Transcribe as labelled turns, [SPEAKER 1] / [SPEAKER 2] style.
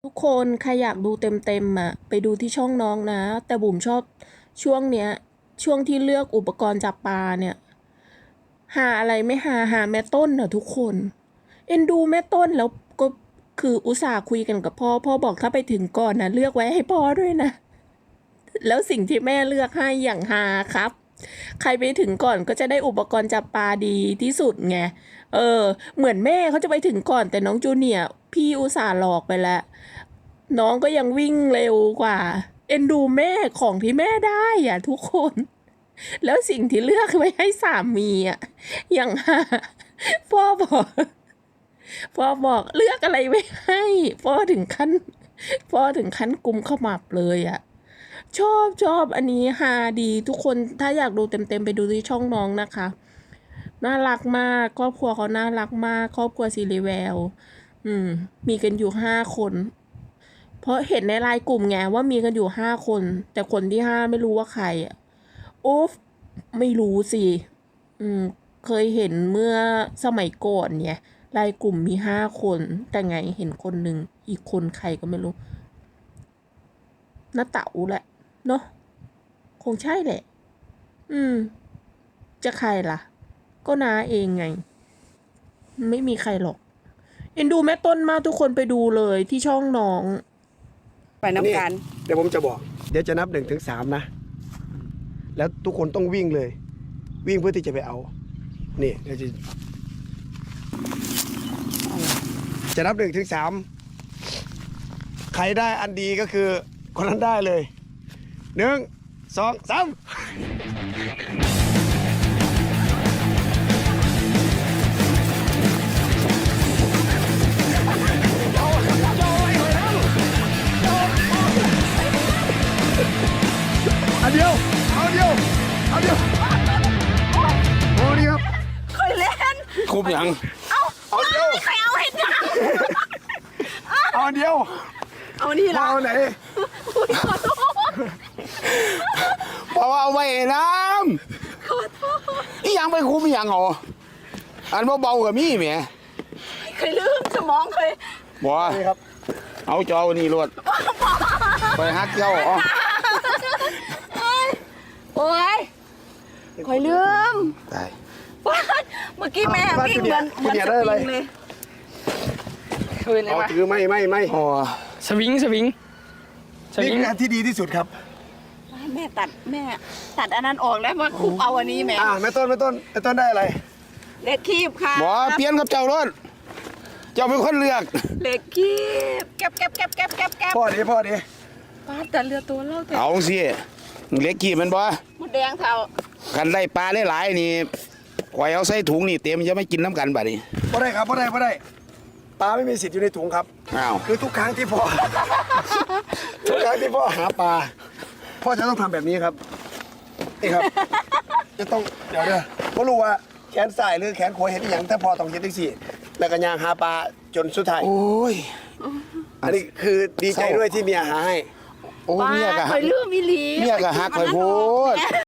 [SPEAKER 1] ทุกคนใครอยากดูเต็มอ่ะไปดูที่ช่องน้องนะ แต่บุ๋มชอบช่วงเนี้ยช่วงที่เลือกอุปกรณ์จับปลาเนี่ยหาอะไรไม่หาแม่ต้นอ่ะทุกคนเอ็นดูแม่ต้นแล้วก็คืออุตส่าห์คุยกันกับพ่อบอกถ้าไปถึงก่อนนะเลือกไว้ให้พ่อด้วยนะแล้วสิ่งที่แม่เลือกให้อย่างหาครับใครไปถึงก่อนก็จะได้อุปกรณ์จับปลาดีที่สุดไงเหมือนแม่เขาจะไปถึงก่อนแต่น้องจูเนียร์พี่อุตส่าห์หลอกไปแล้วน้องก็ยังวิ่งเร็วกว่าเอ็นดูแม่ของที่แม่ได้อ่ะทุกคนแล้วสิ่งที่เลือกไว้ให้สามีอ่ะอย่างพ่อบอกพ่อบอกเลือกอะไรไว้ให้พ่อถึงขั้นกุมขมับเลยอ่ะชอบอันนี้ฮาดีทุกคนถ้าอยากดูเต็มไปดูที่ช่องน้องนะคะน่ารักมากครอบครัวเขาน่ารักมากครอบครัวซีรีแวลมีกันอยู่5 คนเพราะเห็นในไลน์กลุ่มไงว่ามีกันอยู่5 คนแต่คนที่5ไม่รู้ว่าใครอ่ะอุ๊ฟไม่รู้สิเคยเห็นเมื่อสมัยก่อนเนี่ยไลน์กลุ่มมี5 คนแต่ไงเห็นคนหนึ่งอีกคนใครก็ไม่รู้น้าเต๋าแหละเนาะคงใช่แหละจะใครล่ะก็น้าเองไงไม่มีใครหรอกเอ็นดูแม่ต้นมากทุกคนไปดูเลยที่ช่องน้อง
[SPEAKER 2] ไปน้ำกัน
[SPEAKER 3] เดี๋ยวผมจะบอกเดี๋ยวจะนับ1 ถึง 3นะแล้วทุกคนต้องวิ่งเลย วิ่งเพื่อที่จะไปเอานี่เดี๋ยวจะนับ1 ถึง 3ใครได้อันดีก็คือคนนั้นได้เลย1 2 3อันเดียวเอาเดียวโอ้นี่ครับ
[SPEAKER 2] เคยเล่น
[SPEAKER 4] คุบยัง
[SPEAKER 3] เอาเดียว
[SPEAKER 2] ใครเอาเห็นยัง
[SPEAKER 3] เอาเดียว
[SPEAKER 2] เอานี่ละ
[SPEAKER 3] เอาไหน
[SPEAKER 4] เพราะว่าเอาไว้น้ำนี่ยังไปคุบยังเหรออันเบาๆกับมี่แหม
[SPEAKER 2] เคยลืมสมองเคย
[SPEAKER 4] บ่
[SPEAKER 3] ครับ
[SPEAKER 4] เอาจอนี่รวดไปฮักเจ้าอ๋อ
[SPEAKER 2] โอ้ยเคยลืม
[SPEAKER 4] ตาย
[SPEAKER 2] เมื่อกี้แม่วิ่งเหมือนสปริงเลยคืนเลยวะ
[SPEAKER 3] ถือไม่
[SPEAKER 4] อ๋อสวิง
[SPEAKER 3] นี่คืออันที่ดีที่สุดครับ
[SPEAKER 2] แม่ตัดอันนั้นออกแล้วมาคุบเอาอันนี้แม่
[SPEAKER 3] แม่ต้นได้อะไร
[SPEAKER 2] เล็กคีบค่ะ
[SPEAKER 4] บ่เปลี่ยนกับเจ้ารถเจ้าเป็นคนเลือก
[SPEAKER 2] เล็กคีบแก็บ
[SPEAKER 3] พ่อดี
[SPEAKER 2] ป้าแต่เรือตัวเล่าแต่
[SPEAKER 4] เอาสิเล็กกี่มันบ่
[SPEAKER 2] มดแดงเท่า
[SPEAKER 4] กันได้ปลาหลายๆนี่ข่อยเอาใส่ถุงนี่เต็มจะไม่กินน้ำกันบัดนี้
[SPEAKER 3] บ่ได้ครับบ่ได้ปลาไม่มีสิทธิ์อยู่ในถุงครับ
[SPEAKER 4] อ้าว
[SPEAKER 3] คือทุกครั้งที่พ่อหาปลาพ่อจะต้องทำแบบนี้ครับนี่ครับจะต้องเดี๋ยวเพราะรู้ว่าแขนซ้ายหรือแขนขวาเห็นอย่างถ้าพ่อต้องเห็นทั้งสี่แล้วก็ย่างหาปลาจนสุดท้าย
[SPEAKER 4] โอ้ย
[SPEAKER 3] อันนี้คือดีใจด้วยที่เมียหาให้
[SPEAKER 4] โอ้เมียก็
[SPEAKER 2] เคยลืมมิลี
[SPEAKER 4] เมียก็หักข่อยโพด